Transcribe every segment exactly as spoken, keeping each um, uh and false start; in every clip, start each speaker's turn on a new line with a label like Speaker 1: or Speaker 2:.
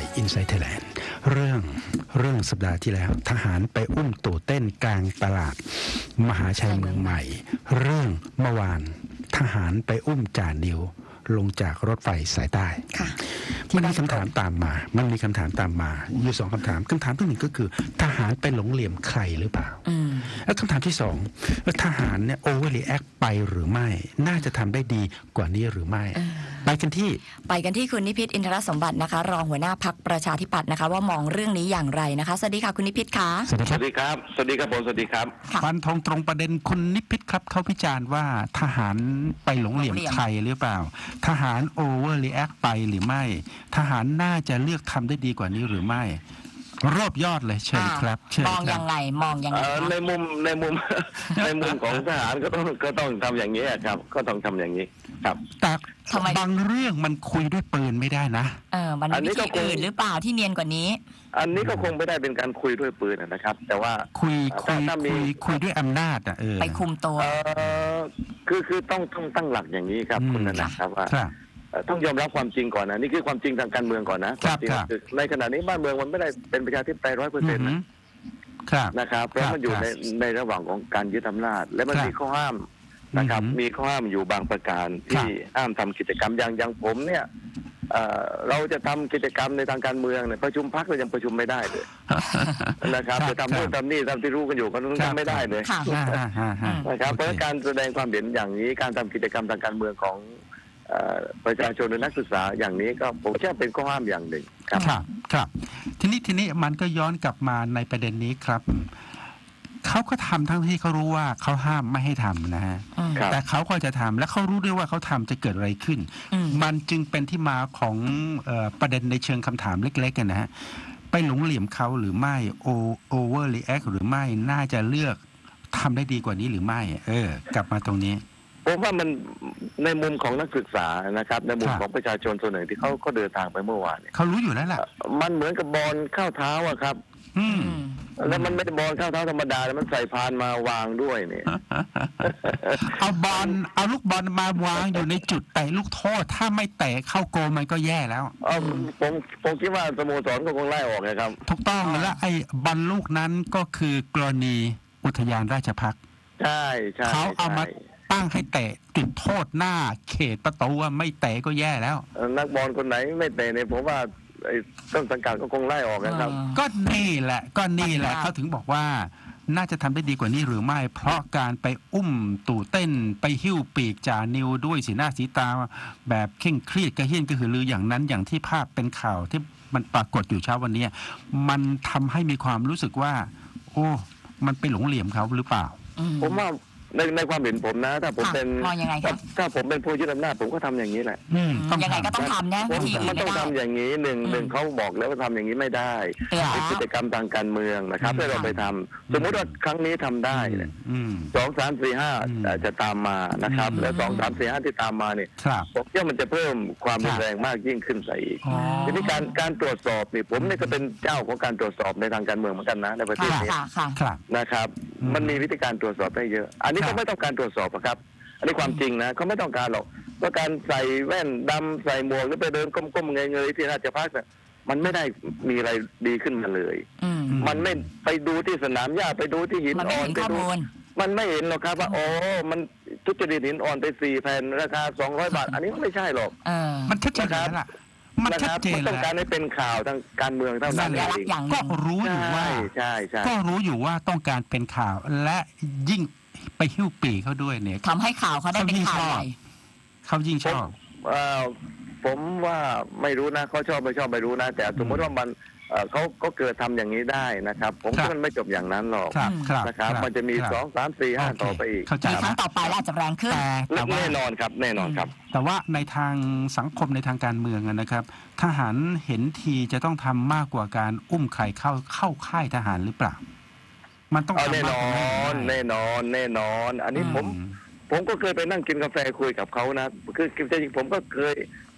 Speaker 1: Inside Thailand เรื่องเรื่องสัปดาห์ที่แล้วทหารไปอุ้มตู่เต้นกลางตลาดมหาชัยเมืองใหม่เรื่องเมื่อวานทหารไปอุ้มจ่านิวลงจากรถไฟสายใต้มันมีคำถามตามมา มันมีคำถามตามมาอยู่สองคำถามคำถามที่หนึ่งก็คือทหารไปหลงเหลี่ยมใครหรือเปล่าแล้วคำถามที่สองทหารเนี่ยโอเวอร์รีแอคไปหรือไม่น่าจะทำได้ดีกว่านี้หรือไม่ไปกันที่
Speaker 2: ไปกันที่คุณนิพิษอินทรสมบัตินะคะรองหัวหน้าพรรคประชาธิปัตย์นะคะว่ามองเรื่องนี้อย่างไรนะคะสวัสดีค่ะคุณนิพิษค่ะ
Speaker 3: สวัสดีครับสวัสดีครับผมสวัสดีครับ
Speaker 1: ฟันธงตรงประเด็นคุณนิพิษครับเขาพิจารณ์ว่าทหารไปหลงเหลี่ยมใครหรือเปล่าทหารโอเวอร์รีแอคไปหรือไม่ทหารน่าจะเลือกทำได้ดีกว่านี้หรือไม่รวบยอดเลยเชิญครับ
Speaker 2: มองยังไงมองยังไง
Speaker 3: ในมุมในมุมในมุมของทหารก็ต้องก็ต้องทำอย่างนี้ครับก็ต้องทำอย่างนี้ครับ
Speaker 1: แต่บางเรื่องมันคุยด้วยปืนไม่ได้นะ
Speaker 2: เออมันมีวิธีอื่นหรือเปล่าที่เนียนกว่านี้
Speaker 3: อันนี้ก็คงไม่ได้เป็นการคุยด้วยปืนนะครับแต่ว่า
Speaker 1: คุยคุยคุยคุยด้วยอำนาจอ่ะเออ
Speaker 2: ไปคุมตัว
Speaker 3: เออคือคือต้องต้องตั้งหลักอย่างนี้ครับคุณนะครับว่าต้องยอมรับความจริงก่อนนะนี่คือความจริงทางการเมืองก่อนนะความจริงในขณะนี้บ้านเมืองมันไม่ได้เป็นประชาธิปไตยร้อยเปอร์เซ็นต์นะครับเพราะมันอยู่ในในระหว่างของการยึดอำนาจและมันมีข้อห้ามนะครับมีข้อห้ามอยู่บางประการที่ห้ามทำกิจกรรมอย่างอย่างผมเนี่ยเราจะทำกิจกรรมในทางการเมืองเนี่ยประชุมพรรคเรายังประชุมไม่ได้เลยนะครับจะทำนู่นทำนี่ทำที่รู้กันอยู่ก็ทำไม่ได้เลยนะครับเพราะการแสดงความเห็นอย่างนี้การทำกิจกรรมทางการเมืองของประชาชนหรือนักศึกษาอย่างนี้ก็ผมเชื่อเป็นข้อห้ามอย่างหนึ่ง
Speaker 1: ครับครับทีนี้ทีนี้มันก็ย้อนกลับมาในประเด็นนี้ครับเขาก็ทำทั้งที่เขารู้ว่าเขาห้ามไม่ให้ทำนะฮะแต่เขาก็จะทำและเขารู้ด้วยว่าเขาทำจะเกิดอะไรขึ้นมันจึงเป็นที่มาของประเด็นในเชิงคำถามเล็กๆกันนะฮะไปหลงเหลี่ยมเขาหรือไม่โอเวอร์รีแอคหรือไม่น่าจะเลือกทำได้ดีกว่านี้หรือไม่เออกลับมาตรงนี้
Speaker 3: ผมว่ามันในมุมของนักศึกษานะครับในมุมของประชาชนส่วนหนึ่งที่เขาเขาเดินทางไปเมื่อวาน
Speaker 1: เขารู้อยู่แล้วแหละ
Speaker 3: มันเหมือนกับบอลเข้าเท้าอะครับแล้วมันไม่ได้บอลเข้าเท้าธรรมดาแล้วมันใส่พานมาวางด้วยเนี่ย
Speaker 1: เอาบอลเอาลูกบอลมาวางอยู่ในจุดเตะลูกโทษถ้าไม่เตะเข้าโกมันก็แย่แล้ว
Speaker 3: อ๋อผมผมคิดว่าสโมสรก็คงไล่ออกนะครับ
Speaker 1: ถูกต้องแล้วไอ้บอลลูกนั้นก็คือกรณีอุทยานราชภัฏ
Speaker 3: ใช่ใช่
Speaker 1: เขาเอามาตั้งให้เตะจุดโทษหน้าเขตประตูว่าไม่เตะก็แย่แล้ว
Speaker 3: นักบอลคนไหนไม่เตะเนี่ยผมว่าต้นสังกัดก็คงไล่ออกนะครับ
Speaker 1: ก็นี่แหละก็นี่แหละเขาถึงบอกว่าน่าจะทำได้ดีกว่านี้หรือไม่เพราะการไปอุ้มตู่เต้นไปหิ้วปีกจ่านิวด้วยสีหน้าสีตาแบบเคร่งเครียดกระเฮี้ยนกระหือรืออย่างนั้นอย่างที่ภาพเป็นข่าวที่มันปรากฏอยู่เช้าวันนี้มันทำให้มีความรู้สึกว่าโอ้มันไปหลงเหลี่ยมเขาหรือเปล่า
Speaker 3: ผมว่าในในความเห็นผมนะถ้าผมเป็นถ้าผมเป็นผู้ยึดอำนาจผมก็ทำอย่างนี้แหละ
Speaker 2: ยังไงก็ต้องทำนะวิธี
Speaker 3: มันต้องทำอย่างนี้หนึ่งหนึ่งเขาบอกแล้วว่าทำอย่างนี้ไม่ได้เป็นกิจกรรมทางการเมืองนะครับให้เราไปทำสมมติว่าครั้งนี้ทำได้เนี่ยสองสามสี่ห้าจะตามมานะครับแล้วสองสามสี่ห้าที่ตามมาเนี่ยผมเชื่อมันจะเพิ่มความรุนแรงมากยิ่งขึ้นไปอีกทีนี้การการตรวจสอบนี่ผมนี่ก็เป็นเจ้าของการตรวจสอบในทางการเมืองเหมือนกันนะในประเทศนี้นะครับมันมีวิธีการตรวจสอบได้เยอะอันนี้ก็ไม่ต้องการตรวจสอบครับอันนี้ความจริงนะเขาไม่ต้องการหรอกเพราะการใส่แว่นดำใส่หมวกหรือไปเดินก้มๆเงยๆที่ราชพัฒน์มันไม่ได้มีอะไรดีขึ้นมาเลยมันไม่ไปดูที่สนามหญ้าไปดูที่หินอ่อนไปดูมันไม่เห็นหรอกครับว่าโอ้มันทุจริตหินอ่อนไปสี่แผ่นราคาสองร้อยบาทอันนี้ไม่ใช่หรอก
Speaker 1: มันชัดเจนแล้วล่ะ
Speaker 3: มันชัดเจนแล้วต้องการให้เป็นข่าวทางการเมืองเท่านั้นเอง
Speaker 1: ก็รู้อยู่ว่า
Speaker 3: ใช่ใช่
Speaker 1: ก็รู้อยู่ว่าต้องการเป็นข่าวและยิ่งไปหิ้วปีเขาด้วยเนี่ย
Speaker 2: ทำให้ข่าวเขาได้เป็นข่าวใหญ่
Speaker 1: เขายิ่งชอบ
Speaker 3: ผมว่าไม่รู้นะเขาชอบไม่ชอบไม่รู้นะแต่สมมติว่ามันเขาก็เกิดทำอย่างนี้ได้นะครับผมว่ามันไม่จบอย่างนั้นหรอกนะครับมันจะมีสองสามสี่ห้าต่อไปอีก
Speaker 2: มีครั้งต่อไปแล้วอาจจะแรงขึ้น
Speaker 3: แน่นอนครับแน่นอนครับ
Speaker 1: แต่ว่าในทางสังคมในทางการเมืองนะครับทหารเห็นทีจะต้องทำมากกว่าการอุ้มใครเข้าเข้าค่ายทหารหรือเปล่ามันต้อง
Speaker 3: แน่นอนแน่นอนแน่นอนอันนี้ผมผมก็เคยไปนั่งกินกาแฟคุยกับเขานะคือจริงๆผมก็เคย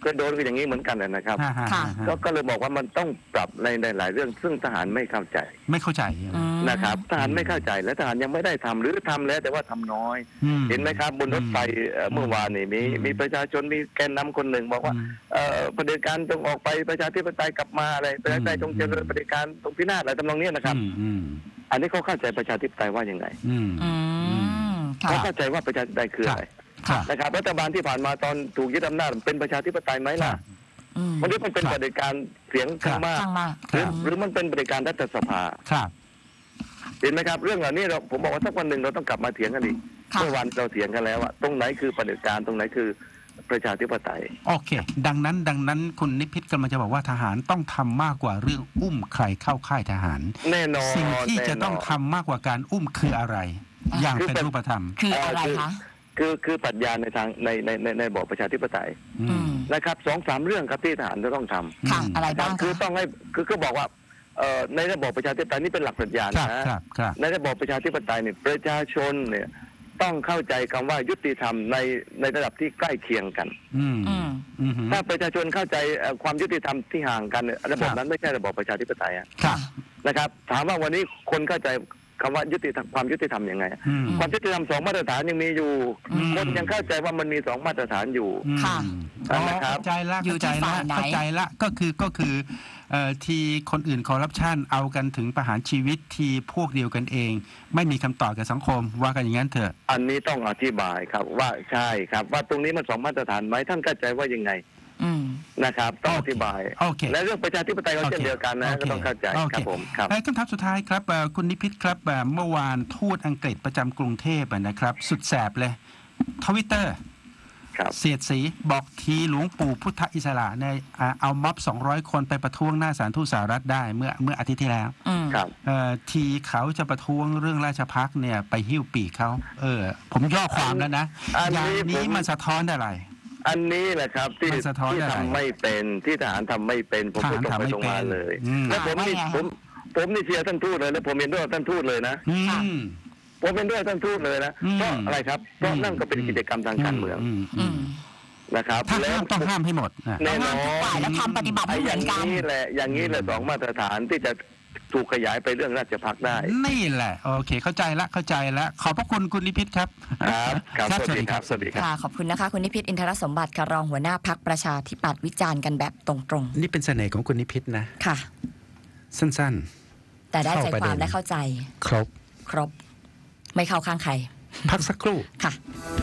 Speaker 3: ก็โดนกันอย่างนี้เหมือนกันนะครับ
Speaker 1: ฮ่าฮ่า
Speaker 2: ค่ะ
Speaker 1: ฮ่า
Speaker 3: ก็ก็เลยบอกว่ามันต้องปรับในในหลายเรื่องซึ่งทหารไม่เข้าใจ
Speaker 1: ไม่เข้าใจ
Speaker 2: อืม
Speaker 3: นะครับทหารไม่เข้าใจและทหารยังไม่ได้ทำหรือทำแล้วแต่ว่าทำน้อย
Speaker 1: อื
Speaker 3: เห็นไหมครับบนรถไฟเอ่อเมื่อวานนี่มี
Speaker 1: อืม
Speaker 3: มีประชาชนมีแกนนำคนหนึ่งบอกว่า
Speaker 1: อืม
Speaker 3: เอ่อเผด็จการจงออกไปประชาธิปไตยกลับมาอะไรประชาธิปไตยจงเจริญเผด็จการจงพินาศอะไรทำนองเนี้ยนะครับ
Speaker 1: อืมอืม
Speaker 3: อันนี้เขาเข้าใจประชาธิปไตยว่ายังไง
Speaker 1: อืม
Speaker 2: อืมค่ะ
Speaker 3: เขาเข้าใจว่าประชาธิปไตยคืออะไร
Speaker 1: ครับ
Speaker 3: นะครับรัฐบาลที่ผ่านมาตอนถูกยึดอำนาจเป็นประชาธิปไตยไหม
Speaker 1: ครั
Speaker 3: ล่ะ
Speaker 1: บ
Speaker 2: อืม
Speaker 3: มันนี้มันเป็น
Speaker 1: ครับ
Speaker 3: เผด็จการเสียงข้างมาก
Speaker 2: ข้างมาก
Speaker 3: หรือ
Speaker 1: ครับ
Speaker 3: หรือมันเป็นเผด็จการรัฐสภา
Speaker 1: ครับ
Speaker 3: เห็นไหมครับเรื่องเหล่านี้เราผมบอกว่าสักวันหนึ่งเราต้องกลับมาเถียงกันอีก
Speaker 2: ค่ะ
Speaker 3: เมื่อวันเราเถียงกันแล้วว่าตรงไหนคือเผด็จการตรงไหนคือประชาธิปไตย
Speaker 1: โอเค ดังนั้นดังนั้นคุณนิพิษกำลังจะบอกว่าทหารต้องทำมากกว่าเรื่องอุ้มใครเข้าค่ายทหาร
Speaker 3: แน่นอน
Speaker 1: สิ่งที่จะ
Speaker 3: แน่นน
Speaker 1: ต้องทำมากกว่าการอุ้มคืออะไร
Speaker 2: อ่ะ
Speaker 1: อย่าง
Speaker 3: คือ
Speaker 1: เป็น
Speaker 3: เป็น
Speaker 1: รูปธรรม
Speaker 2: คืออะไรคะ
Speaker 3: คือคือปรัชญาในทางในในในในระบอบประชาธิปไตย
Speaker 1: อื
Speaker 2: อื
Speaker 1: ม
Speaker 2: ม
Speaker 3: นะครับสองสามเรื่องครับที่ทหารจะต้องทำ
Speaker 2: ค่ะ อะไร
Speaker 3: นะครั
Speaker 2: บ้า
Speaker 3: บ
Speaker 2: ง
Speaker 3: คือ
Speaker 2: คะ
Speaker 3: ต้องให้คือก็บอกว่าเอ่อในระบอบประชาธิปไตยนี่เป็นหลักปรัชญา
Speaker 1: ครับ
Speaker 3: นะครับ
Speaker 1: ครับ
Speaker 3: ในระบอบประชาธิปไตยเนี่ยประชาชนเนี่ยต้องเข้าใจคำว่ายุติธรรมในในระดับที่ใกล้เคียงกัน
Speaker 1: อืม
Speaker 2: อืม
Speaker 1: อืม
Speaker 3: ถ้าประชาชนเข้าใจเอ่อความยุติธรรมที่ห่างกันเนี่ยระบบ
Speaker 1: ครับ
Speaker 3: นั้นไม่ใช่ระบอบประชาธิปไตยอะ
Speaker 1: ครับ
Speaker 3: นะครับ ถามว่าวันนี้คนเข้าใจคำว่ายุติธรรมความยุติธรรมยังไง
Speaker 1: อืม
Speaker 3: ความยุติธรรมสองมาตรฐานยังมีอยู่
Speaker 2: อืม
Speaker 3: คนยังเข้าใจว่ามันมีสองมาตรฐานอยู่
Speaker 1: อืม
Speaker 2: ค่ะ
Speaker 1: อ๋อ
Speaker 3: นะครับ
Speaker 1: เข้าใจละ
Speaker 2: อยู่
Speaker 1: เข้า
Speaker 2: ที่
Speaker 1: ใจละ
Speaker 2: ฝ่ายไหน
Speaker 1: เข้าใจละก็คือก็คือเอ่อทีคนอื่นคอร์รัปชันเอากันถึงประหารชีวิตทีพวกเดียวกันเอง ไม่มีคำตอบกับสังคมว่ากันอย่างนั้นเถอะ
Speaker 3: อันนี้ต้องอธิบายครับว่าใช่ครับว่าตรงนี้มันสองมาตรฐานไหมท่านเข้าใจว่ายังไง
Speaker 2: อืม
Speaker 3: นะครับ ต้องอธิบาย
Speaker 1: โอเค
Speaker 3: และเรื่องประชาธิปไตยก็เช่นเดียวกันนะ
Speaker 1: โค
Speaker 3: ก็ต้องเข้าใจ
Speaker 1: โอ
Speaker 3: ครับผมครับ
Speaker 1: เอ่อคำถามสุดท้ายครับเอ่อคุณนิพิษครับเอ่อเมื่อวานทูตอังกฤษประจำกรุงเทพอ่ะนะครับ สุดแสบเลยทวิตเตอร์
Speaker 3: ครับ
Speaker 1: เสียดสีบอกทีหลวงปู่พุทธอิสระในอ่าเอาม็อบสองร้อยคนไปประท้วงหน้าศาลทูตสหรัฐได้เมื่อเมื่ออาทิตย์ที่แล้ว
Speaker 2: อืม
Speaker 3: ครับ
Speaker 1: เอ่อทีเขาจะประท้วงเรื่องราชพักเนี่ยไปหิ้วปีกเขาเออ ผมย่อความแล้วนะ
Speaker 3: อัน
Speaker 1: อย่าง
Speaker 3: นี้
Speaker 1: นี้
Speaker 3: ผม
Speaker 1: มันสะท้อนอะไร
Speaker 3: อันนี้แหละครับที่
Speaker 1: มันสะท้อน
Speaker 3: ที่
Speaker 1: อะไร
Speaker 3: ทำไม่เป็นที่ทหารทำไม่เป็นผมพูดตรงไปตรงมาเลย
Speaker 1: อืม
Speaker 3: และผมนี่
Speaker 2: ว่าไงฮะ
Speaker 3: ผมผมนี่เชียร์ท่านทูตเลยและผมเห็นด้วยกับท่านทูตเลยนะ
Speaker 1: อืม
Speaker 3: ผมเป็นด้วยท่านทูตเลยนะ
Speaker 1: อืม
Speaker 3: เพราะอะไรครับเพราะนั่นก็เป็นกิจกรรมทางการเมือง
Speaker 1: ม
Speaker 2: อื
Speaker 1: อื
Speaker 2: ม
Speaker 1: ม
Speaker 3: นะครับ
Speaker 1: ถ้า
Speaker 3: แล้
Speaker 1: ห้าว มต้องห้ามให้หมดนะ
Speaker 3: แน่น
Speaker 2: ห้าม
Speaker 3: อ
Speaker 2: ทุกฝ่าย
Speaker 3: น
Speaker 2: แล้วทำปฏิบัติ
Speaker 3: ไอ้
Speaker 2: ไม่เห
Speaker 3: อ
Speaker 2: มื
Speaker 3: ย่า
Speaker 2: อง นกัน
Speaker 3: นี้แหละอย่างนี้แหละสองมาตรฐานที่จะถูกขยายไปเรื่องราชพักได้
Speaker 1: นี่แหละ โอเค เข้าใจละเข้าใจละขอบพระคุณคุณนิพิษครับ
Speaker 3: ครับครับ
Speaker 1: ครับ
Speaker 3: สวัสดีครับ
Speaker 1: สวัสดีครับ
Speaker 2: ค่ะ ขอบคุณนะคะ คุณนิพิษอินทรสมบัติค่ะรองหัวหน้าพักประชาธิปัตย์วิจารณ์กันแบบตรง
Speaker 1: นี่เป็นเสน่ห์ของคุณนิพิษนะ
Speaker 2: ๆ ค่ะ
Speaker 1: สั้น
Speaker 2: แต่ได้ใจ
Speaker 1: เข้าประ
Speaker 2: ค
Speaker 1: เด็น
Speaker 2: วามและเข้าใจ
Speaker 1: ๆ ครบ
Speaker 2: ครบ ไม่เข้าข้างใคร
Speaker 1: พักสักครู่
Speaker 2: ค่ะ